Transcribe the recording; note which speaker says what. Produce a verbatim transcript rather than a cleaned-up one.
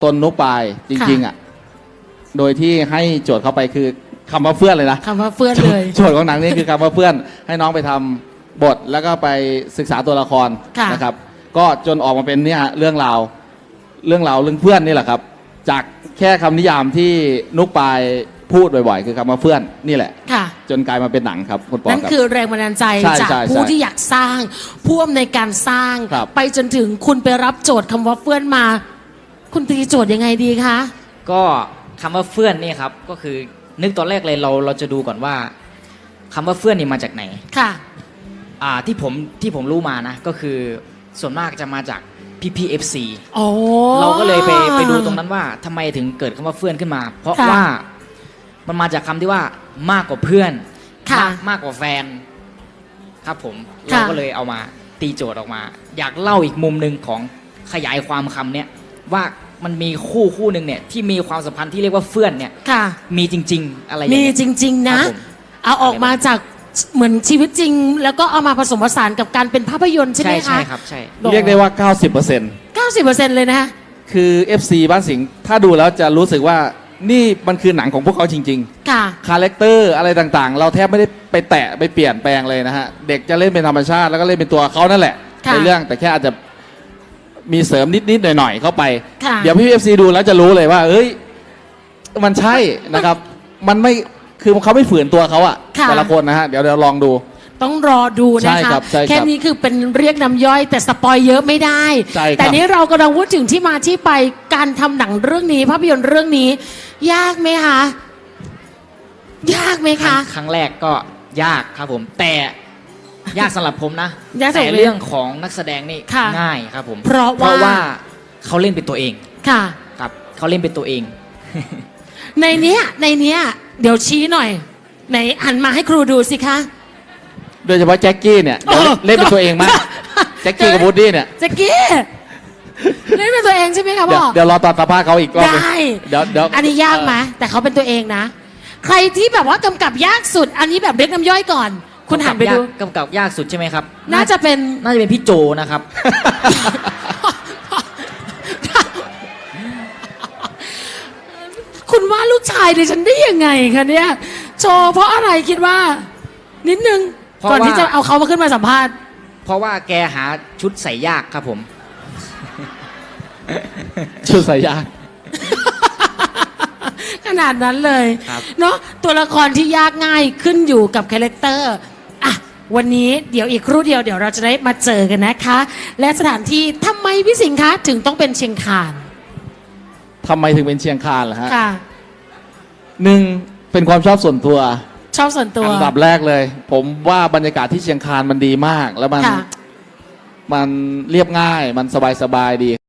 Speaker 1: ตนนุปายจริงๆอ่ะโดยที่ให้โจทย์เข้าไปคือคำว่าเพื่อนเลยนะ
Speaker 2: คำว่าเพื่อนเลย
Speaker 1: โจทย์ของหนังนี่คือคำว่าเพื่อนให้น้องไปทำบทแล้วก็ไปศึกษาตัวละครนะครับก็จนออกมาเป็นเนี่ยเรื่องราวเรื่องราวเรื่องเพื่อนนี่แหละครับจากแค่คำนิยามที่นุกปายพูดบ่อยๆคือคำว่าเพื่อนนี่แหละจนกลายมาเป็นหนังครับคุณปอครับนั่น
Speaker 2: คือแรงบันดาลใจจากผู้ที่อยากสร้างผู้อำนวยการสร้างไปจนถึงคุณไปรับโจทย์คำว่าเพื่อนมาคุณตีโจทย์ยังไงดีคะ
Speaker 3: ก็คำว่าเพื่อนนี่ครับก็คือนึกตอนแรกเลยเราเราจะดูก่อนว่าคำว่าเพื่อนนี่มาจากไหน
Speaker 2: ค่ะ
Speaker 3: อ่าที่ผมที่ผมรู้มานะก็คือส่วนมากจะมาจากพี่พีเอฟซีเราก็เลยไปไปดูตรงนั้นว่าทำไมถึงเกิดคำว่าเพื่อนขึ้นมาเพราะว่ามันมาจากคำที่ว่ามากกว่าเพื่อนมากมากกว่าแฟนครับผมเราก็เลยเอามาตีโจทย์ออกมาอยากเล่าอีกมุมหนึ่งของขยายความคำเนี้ยว่ามันมีคู่คู่หนึ่งเนี่ยที่มีความสัมพันธ์ที่เรียกว่าเพื่อนเนี่ยมีจริงๆอะไรอย่าง
Speaker 2: เงี้ยมีจริงๆนะเอาออกมาจากเหมือนชีวิตจริงแล้วก็เอามาผสมผสานกับการเป็นภาพยนตร์ใช่ไหมคะ
Speaker 3: ใช่ครับใช่
Speaker 1: เรียกได้ว่า เก้าสิบเปอร์เซ็นต์
Speaker 2: เก้าสิบเปอร์เซ็นต์ เลยนะ
Speaker 1: คือ เอฟ ซี บ้านสิงห์ถ้าดูแล้วจะรู้สึกว่านี่มันคือหนังของพวกเขาจริงๆค่ะคาแรคเตอร์อะไรต่างๆเราแทบไม่ได้ไปแตะไปเปลี่ยนแปลงเลยนะฮะเด็กจะเล่นเป็นธรรมชาติแล้วก็เล่นเป็นตัวเขานั่นแหละในเรื่องแต่แค่อาจจะมีเสริมนิดๆหน่อยๆเข้าไปเดี๋ยวพี่ เอฟ ซี ดูแล้วจะรู้เลยว่าเอ้ยมันใช่นะครับมันไม่คือเขาไม่ฝืนตัวเขาอะแต่ละคนนะฮะเดี๋ยวเดี๋ยวลองดู
Speaker 2: ต้องรอดูนะคะแค่นี้คือเป็นเรียกน้ำย่อยแต่สปอยเยอะไม่ได้แต่นี้เรากำลังพูดถึงที่มาที่ไปการทำหนังเรื่องนี้ภาพยนตร์เรื่องนี้ยากไหมคะยากไหมคะ
Speaker 3: ครั้งแรกก็ยากครับผมแต่ยากสำหรับผมนะแต่เรื่องของนักแสดงนี่ง่ายครับผม
Speaker 2: เพราะ
Speaker 3: ว่าเขาเล่นเป็นตัวเอง
Speaker 2: ค่ะ
Speaker 3: ครับเขาเล่นเป็นตัวเอง
Speaker 2: ในเนี้ยในเนี้ยเดี๋ยวชี้หน่อยไหนหันมาให้ครูดูสิคะ
Speaker 1: โดยเฉพาะแจ็คกี้เนี่ยเล่นเป็นตัวเองมากแจ็คกี้กับวูดดี้เนี่ย
Speaker 2: แจ็คกี้เล่นเป็นตัวเองใช่ไหมคะพ่อ
Speaker 1: เดี๋ยวรอตอนสัมภาษณ์เขาอีกรอบได้เดี๋ยวเดี๋ยว
Speaker 2: อันนี้ยากไหมแต่เขาเป็นตัวเองนะใครที่แบบว่ากำกับยากสุดอันนี้แบบเรียกน้ำย่อยก่อนคุณหันไปดู
Speaker 3: กำกับยากสุดใช่ไหมครับ
Speaker 2: น่าจะเป็น
Speaker 3: น่าจะเป็นพี่โจนะครับ
Speaker 2: คุณว่าลูกชายดิฉันได้ยังไงคะเนี่ยโจเพราะอะไรคิดว่านิดนึงก่อนที่จะเอาเขามาขึ้นมาสัมภาษณ์
Speaker 3: เพราะว่าแกหาชุดใส่ยากครับผม
Speaker 1: ชุดใส่ยาก
Speaker 2: ขนาดนั้นเลยเนาะตัวละครที่ยากง่ายขึ้นอยู่กับคาแรคเตอร์อ่ะวันนี้เดี๋ยวอีกครู่เดียวเดี๋ยวเราจะได้มาเจอกันนะคะและสถานที่ทำไมพี่สิงห์คะถึงต้องเป็นเชียงคาน
Speaker 1: ทำไมถึงเป็นเชียงคานล่ะฮะหนึ่งเป็นความชอบส่วนตัว
Speaker 2: ชอบส่วนตัว
Speaker 1: อันดับแรกเลยผมว่าบรรยากาศที่เชียงคานมันดีมากแล้วมันมันเรียบง่ายมันสบายๆดี